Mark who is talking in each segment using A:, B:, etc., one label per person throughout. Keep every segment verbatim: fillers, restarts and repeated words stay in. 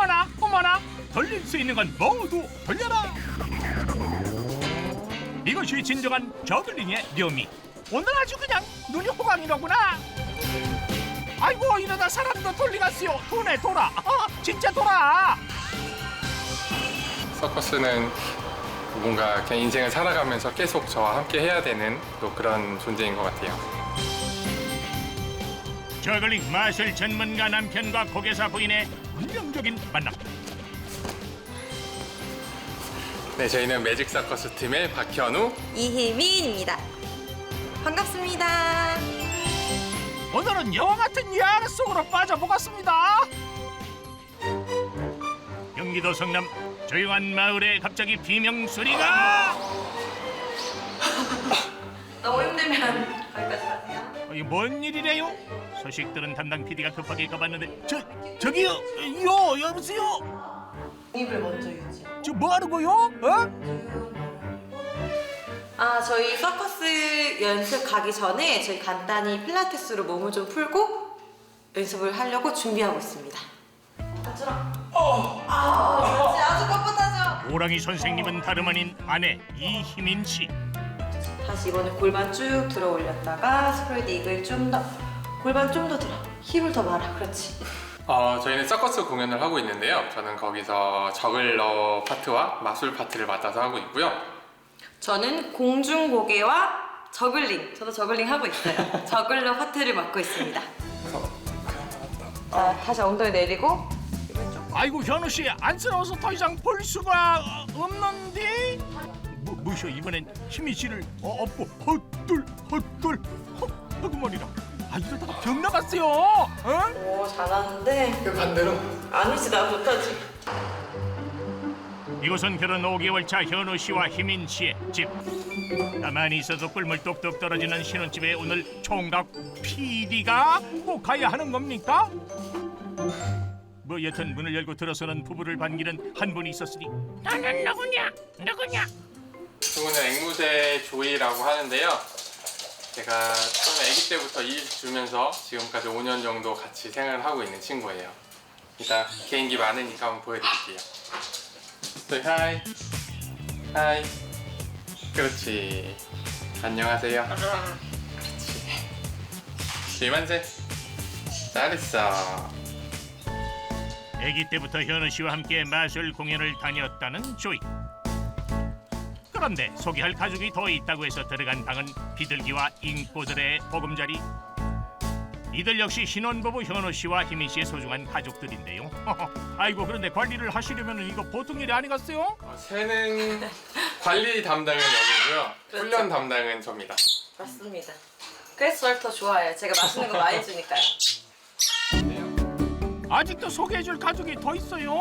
A: 어머나 어머나 돌릴 수 있는 건 모두 돌려라. 이것이 진정한 저글링의 묘미. 오늘 아주 그냥 눈이 호강이로구나. 아이고 이러다 사람도 돌리갔어요. 도네 돌아. 어, 진짜 돌아.
B: 서커스는 뭔가 그냥 인생을 살아가면서 계속 저와 함께 해야 되는 또 그런 존재인 것 같아요.
A: 저글링 마술 전문가 남편과 고개사 부인의 운명적인 만남.
B: 네, 저희는 매직 서커스 팀의 박현우,
C: 이희민입니다. 반갑습니다.
A: 오늘은 영화 같은 야외 속으로 빠져보겠습니다. 경기도 성남 조용한 마을에 갑자기 비명 소리가.
C: 너무 힘들면 거기까지 가세요.
A: 어, 이게 뭔 일이래요? 소식 들은 담당 피디가 급하게 가봤는데 저 저기요, 요 여보세요.
C: 입을 먼저 유지.
A: 저 뭐 하는 거요? 어?
C: 아, 저희 서커스 연습 가기 전에 저희 간단히 필라테스로 몸을 좀 풀고 연습을 하려고 준비하고 있습니다. 앉으라. 어. 아, 그렇지. 아주 뻣뻣하죠.
A: 오랑이 선생님은 다름 아닌 아내 이희민 씨.
C: 다시 이번에 골반 쭉 들어 올렸다가 스프레드 이글 좀 더. 골반 좀 더 들어. 힘을 더 말아. 그렇지.
B: 어, 저희는 서커스 공연을 하고 있는데요. 저는 거기서 저글러 파트와 마술 파트를 맡아서 하고 있고요.
C: 저는 공중고개와 저글링. 저도 저글링 하고 있어요. 저글러 파트를 맡고 있습니다. 자, 다시 엉덩이 내리고.
A: 아이고 현우 씨 안쓰러워서 더 이상 볼 수가 없는데. 뭐, 뭐셔 이번엔 희민 씨를 어, 업고 헛둘 헛둘 헛헛머리라. 아 이러다가 병 나갔어요. 어?
C: 오, 잘하는데.
B: 그 반대로.
C: 아니지, 나 못하지.
A: 이곳은 결혼 오 개월 차 현우 씨와 희민 씨의 집. 가만히 있어도 꿀물 뚝뚝 떨어지는 신혼집에 오늘 총각 피디가 꼭 가야 하는 겁니까? 뭐 여튼 문을 열고 들어서는 부부를 반기는 한 분이 있었으니 나는 누구냐 누구냐.
B: 그분은 앵무새 조이라고 하는데요. 제가 처음에 아기 때부터 일 주면서 지금까지 오 년 정도 같이 생활을 하고 있는 친구예요. 이따 개인기 많으니까 한번 보여드릴게요. 네, 하이. 하이. 그렇지. 안녕하세요. 그렇지. 이만세. 잘했어.
A: 아기 때부터 현우 씨와 함께 마술 공연을 다녔다는 조이. 그런데 소개할 가족이 더 있다고 해서 들어간 방은 비둘기와 잉꼬들의 보금자리. 이들 역시 신혼부부 현우 씨와 희민 씨의 소중한 가족들인데요. 아이고 그런데 관리를 하시려면 이거 보통 일이 아니겠어요?
B: 어, 새는 관리 담당은 여기고요.
C: 그렇죠.
B: 훈련 담당은 저입니다.
C: 맞습니다. 그래서 저를 더 좋아해요. 제가 맛있는 거 많이 주니까요.
A: 아직도 소개해줄 가족이 더 있어요?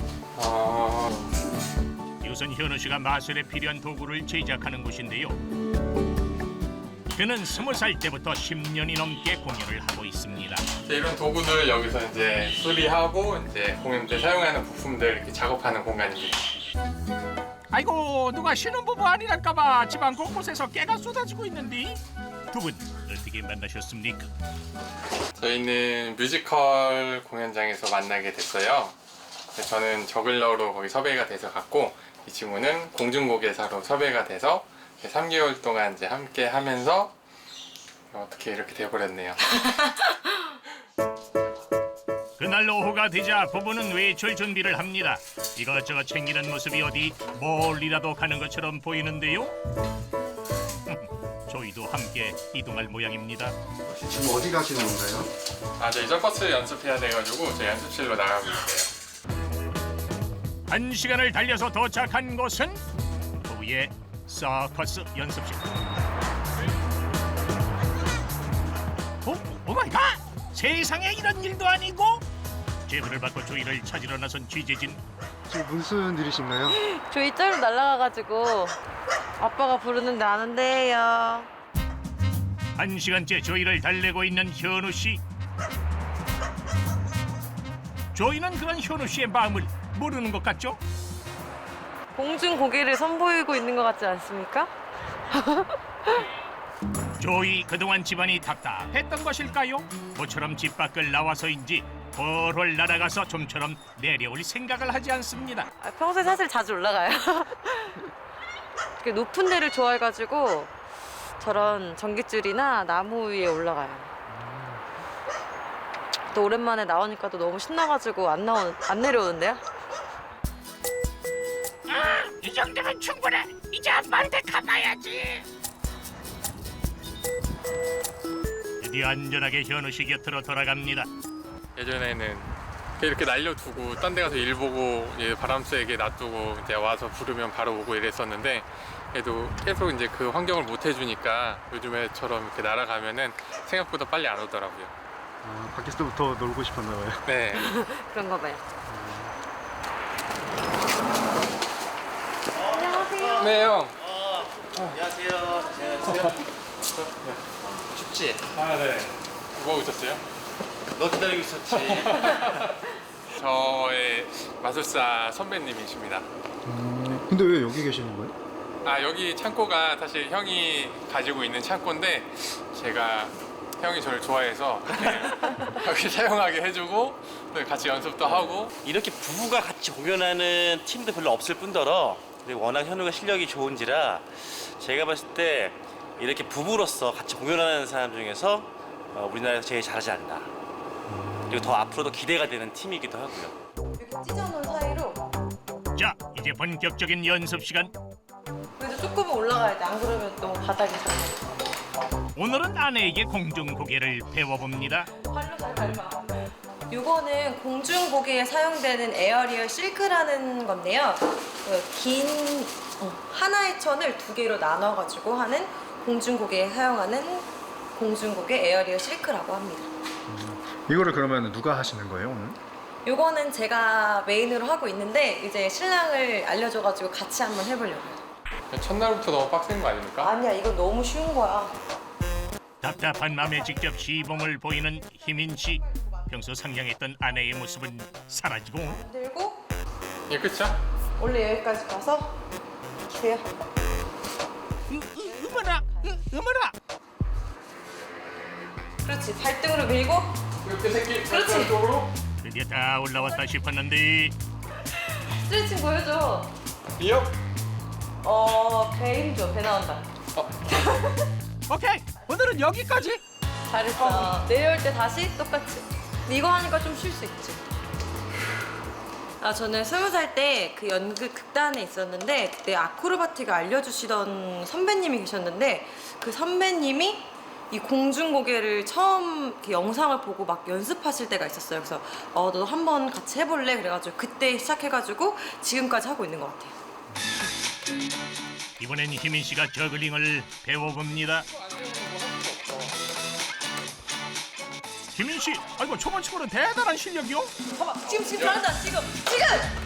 B: 어...
A: 이곳은 현우 씨가 마술에 필요한 도구를 제작하는 곳인데요. 그는 스무 살 때부터 십 년이 넘게 공연을 하고 있습니다.
B: 이런 도구들 여기서 이제 수리하고 이제 공연 때 사용하는 부품들 이렇게 작업하는 공간입니다.
A: 아이고 누가 신혼부부 아니랄까봐 집안 곳곳에서 깨가 쏟아지고 있는데 두 분 어떻게 만나셨습니까?
B: 저희는 뮤지컬 공연장에서 만나게 됐어요. 저는 저글러로 거기 섭외가 돼서 갔고 이 친구는 공중고개사로 섭외가 돼서 삼 개월 동안 이제 함께 하면서 어떻게 이렇게 돼버렸네요.
A: 그날 오후가 되자 부부는 외출 준비를 합니다. 이것저것 챙기는 모습이 어디 멀리라도 가는 것처럼 보이는데요. 저희도 함께 이동할 모양입니다.
D: 지금 어디 가시는 건가요?
B: 아, 저희 서커스 연습해야 돼가지고 저희 연습실로 나가고 있어요.
A: 한 시간을 달려서 도착한 곳은 부부의 서커스 연습실. 어? 오마이갓! 세상에 이런 일도 아니고? 제보를 받고 조이를 찾으러 나선 취재진.
D: 지금 무슨 일이신가요?
C: 조이 짤로 날아가가지고 아빠가 부르는데 안 온대요.
A: 한 시간째 조이를 달래고 있는 현우 씨. 조이는 그런 현우 씨의 마음을 모르는 것 같죠?
C: 공중 고개를 선보이고 있는 것 같지 않습니까?
A: 조이 그동안 집안이 답답했던 것일까요? 모처럼 집 밖을 나와서인지 훨훨 날아가서 좀처럼 내려올 생각을 하지 않습니다.
C: 아, 평소에 사실 자주 올라가요. 이렇게 높은 데를 좋아해가지고 저런 전깃줄이나 나무 위에 올라가요. 또 오랜만에 나오니까 또 너무 신나가지고 안 나오 안 내려오는데요?
A: 아, 이 정도면 충분해. 이제 한 마리 더 가봐야지. 드디어 안전하게 현우 씨 곁으로 돌아갑니다.
B: 예전에는 이렇게 날려두고 딴 데 가서 일 보고 이제 바람 쐬게 놔두고 이제 와서 부르면 바로 오고 이랬었는데 그래도 계속 이제 그 환경을 못 해주니까 요즘에처럼 이렇게 날아가면은 생각보다 빨리 안 오더라고요.
D: 아, 밖에서부터 놀고 싶었나 봐요.
B: 네.
C: 그런가 봐요.
B: 네 형.
E: 안녕하세요. 안녕하세요. 춥지?
B: 아 네. 뭐 오셨어요?
E: 너 기다리고 있었지.
B: 저의 마술사 선배님이십니다.
D: 음, 근데 왜 여기 계시는 거예요?
B: 아 여기 창고가 사실 형이 가지고 있는 창고인데 제가 형이 저를 좋아해서 네, 여기 사용하게 해주고 네, 같이 연습도 하고.
E: 이렇게 부부가 같이 공연하는 팀도 별로 없을 뿐더러 그리고 워낙 현우가 실력이 좋은지라 제가 봤을 때 이렇게 부부로서 같이 공연하는 사람 중에서 어, 우리나라에서 제일 잘하지 않나. 그리고 더 앞으로도 기대가 되는 팀이기도 하고요.
C: 이렇게 찢어놓은 사이로
A: 자, 이제 본격적인 연습 시간.
C: 그래도 조금은 올라가야 돼. 안 그러면 너무 바닥이 잘.
A: 오늘은 아내에게 공중고개를 배워봅니다.
C: 발로 잘 밟아. 이거는 공중고개에 사용되는 에어리얼 실크라는 건데요. 그 긴 어, 하나의 천을 두 개로 나눠가지고 하는 공중고개에 사용하는 공중고개 에어리얼 실크라고 합니다.
D: 이거를 그러면 누가 하시는 거예요 오늘?
C: 이거는 제가 메인으로 하고 있는데 이제 신랑을 알려줘가지고 같이 한번 해보려고요.
B: 첫날부터 너무 빡센 거 아닙니까?
C: 아니야, 이거 너무 쉬운 거야.
A: 답답한 맘에 직접 시범을 보이는 희민 씨. 평소 상냥했던 아내의 모습은 사라지고
C: 들고
B: 예, 그쵸?
C: 원래 여기까지 가서 기세요.
A: 어머나, 어머나.
C: 그렇지, 발등으로 밀고.
B: 이렇게 새끼
C: 그렇지.
B: 쪽으로.
A: 드디어 다 올라왔다 싶었는데
C: 스트레칭 보여줘.
B: 이요?
C: 어, 배 힘줘. 배 나온다.
A: 오케이, 오늘은 여기까지.
C: 잘했어. 내려올 때 다시 똑같이. 이거 하니까 좀 쉴 수 있지. 아, 저는 스무 살 때 그 연극 극단에 있었는데 그때 아크로바틱을 알려주시던 선배님이 계셨는데 그 선배님이 이 공중고개를 처음 이렇게 영상을 보고 막 연습하실 때가 있었어요. 그래서 어, 너도 한번 같이 해볼래? 그래가지고 그때 시작해가지고 지금까지 하고 있는 것 같아요.
A: 이번엔 희민 씨가 저글링을 배워봅니다. 희민 씨, 아이고 초반 친구는 대단한 실력이요.
C: 봐봐, 지금 지금 잘한다. 지금 지금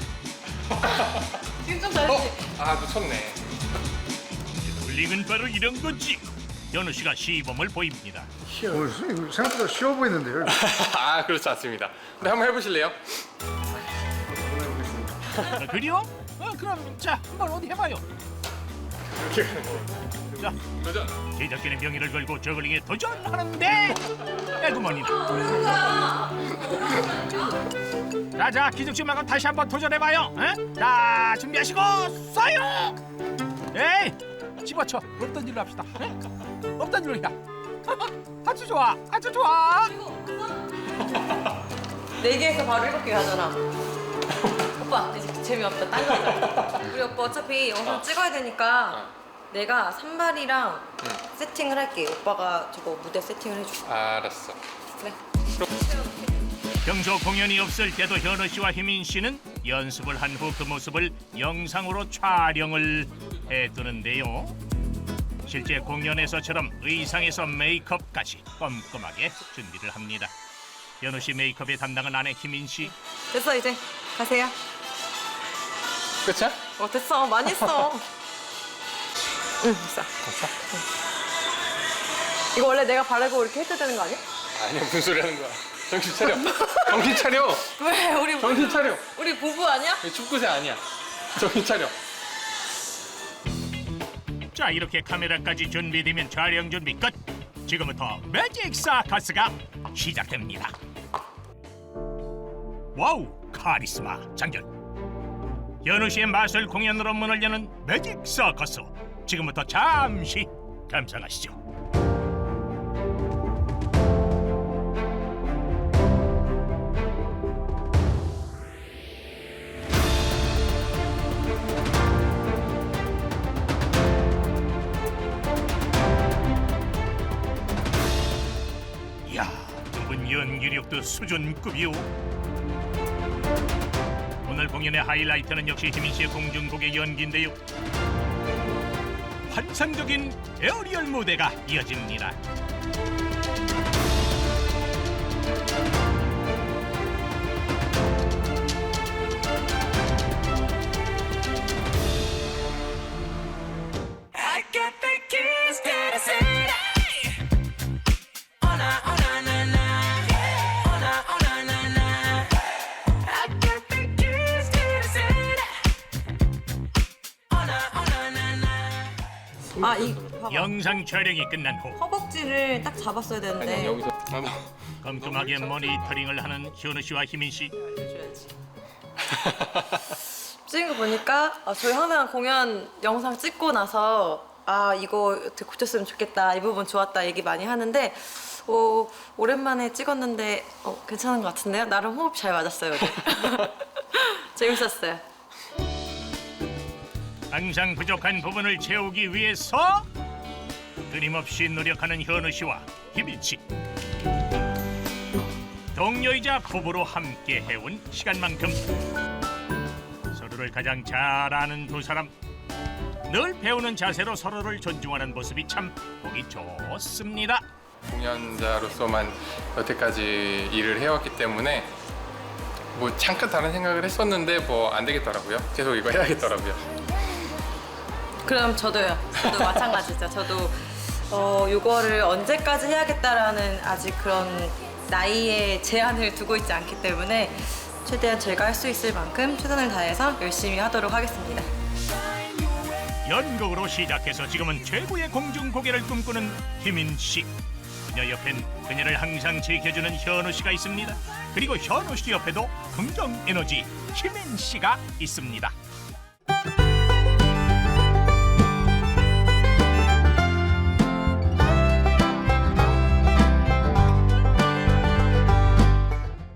C: 지금 좀 잘했지.
B: 아 놓쳤네.
A: 저글링은 바로 이런 거지. 현우 씨가 시범을 보입니다.
D: 어, 선생님, 이거 생각보다 쉬워 보이는데요?
B: 아 그렇지 않습니다. 근데 한번 해보실래요?
A: 아, 그래요? 어, 그럼 자 한번 어디 해봐요.
B: 이렇게 가는 거.
A: 자,
B: 도전.
A: 제작진의 명의를 걸고 저글링에 도전하는데 에그머니다. 자자 기죽지 말고 다시 한번 도전해봐요. 에? 자 준비하시고 쏴요. 에이 집어쳐. 없던 일로 합시다. 에? 없던 일로 해. 아주 좋아 아주 좋아.
C: 네 개에서 바로 일곱 개 가잖아. 오빠 이제 재미없다. 딴 거 하자. 우리 오빠 어차피 영상 찍어야 되니까 내가 산발이랑
B: 응.
C: 세팅을 할게. 오빠가 저거 무대 세팅을 해줘.
B: 알았어.
C: 그래.
A: 평소 공연이 없을 때도 현우 씨와 희민 씨는 연습을 한 후 그 모습을 영상으로 촬영을 해두는데요. 실제 공연에서처럼 의상에서 메이크업까지 꼼꼼하게 준비를 합니다. 현우 씨 메이크업의 담당은 아내 희민 씨.
C: 됐어 이제 가세요.
B: 끝이야?
C: 어 됐어 많이 했어. 응 됐어.
B: 됐어?
C: 응. 이거 원래 내가 바르고 이렇게 해도 되는 거 아니야?
B: 아니야 무슨 소리 하는 거야. 정신 차려. 정신 차려.
C: 왜 우리
B: 정신 차려.
C: 우리 부부 아니야?
B: 이 축구세 아니야. 정신 차려.
A: 자 이렇게 카메라까지 준비되면 촬영 준비 끝. 지금부터 매직 사커스가 시작됩니다. 와우, 카리스마 장전. 현우 씨의 마술 공연으로 문을 여는 매직 서커스. 지금부터 잠시 감상하시죠. 이야, 두 분 연기력도 수준급이오. 오늘 공연의 하이라이트는 역시 희민 씨의 공중곡의 연기인데요. 환상적인 에어리얼 무대가 이어집니다.
C: 아, 이 봐봐.
A: 영상 촬영이 끝난 후
C: 허벅지를 딱 잡았어야 되는데.
B: 아니 여기서 나도
A: 꼼꼼하게 모니터링을 하는 현우 씨와 희민 씨.
C: 해줘야지. 찍은 거 보니까 아, 저희 항상 공연 영상 찍고 나서 아 이거 어떻게 고쳤으면 좋겠다, 이 부분 좋았다 얘기 많이 하는데 어, 오랜만에 찍었는데 어, 괜찮은 것 같은데요? 나름 호흡 잘 맞았어요. 네. 재밌었어요.
A: 항상 부족한 부분을 채우기 위해서 끊임없이 노력하는 현우 씨와 희민 씨. 동료이자 부부로 함께 해온 시간만큼 서로를 가장 잘 아는 두 사람. 늘 배우는 자세로 서로를 존중하는 모습이 참 보기 좋습니다.
B: 공연자로서만 여태까지 일을 해왔기 때문에 뭐 잠깐 다른 생각을 했었는데 뭐 안 되겠더라고요. 계속 이거 해야겠더라고요.
C: 그럼 저도요. 저도 마찬가지죠. 저도 어, 요거를 언제까지 해야겠다라는 아직 그런 나이에 제한을 두고 있지 않기 때문에 최대한 제가 할 수 있을 만큼 최선을 다해서 열심히 하도록 하겠습니다.
A: 연극으로 시작해서 지금은 최고의 공중고개를 꿈꾸는 희민 씨. 그녀 옆엔 그녀를 항상 지켜주는 현우 씨가 있습니다. 그리고 현우 씨 옆에도 긍정 에너지 희민 씨가 있습니다.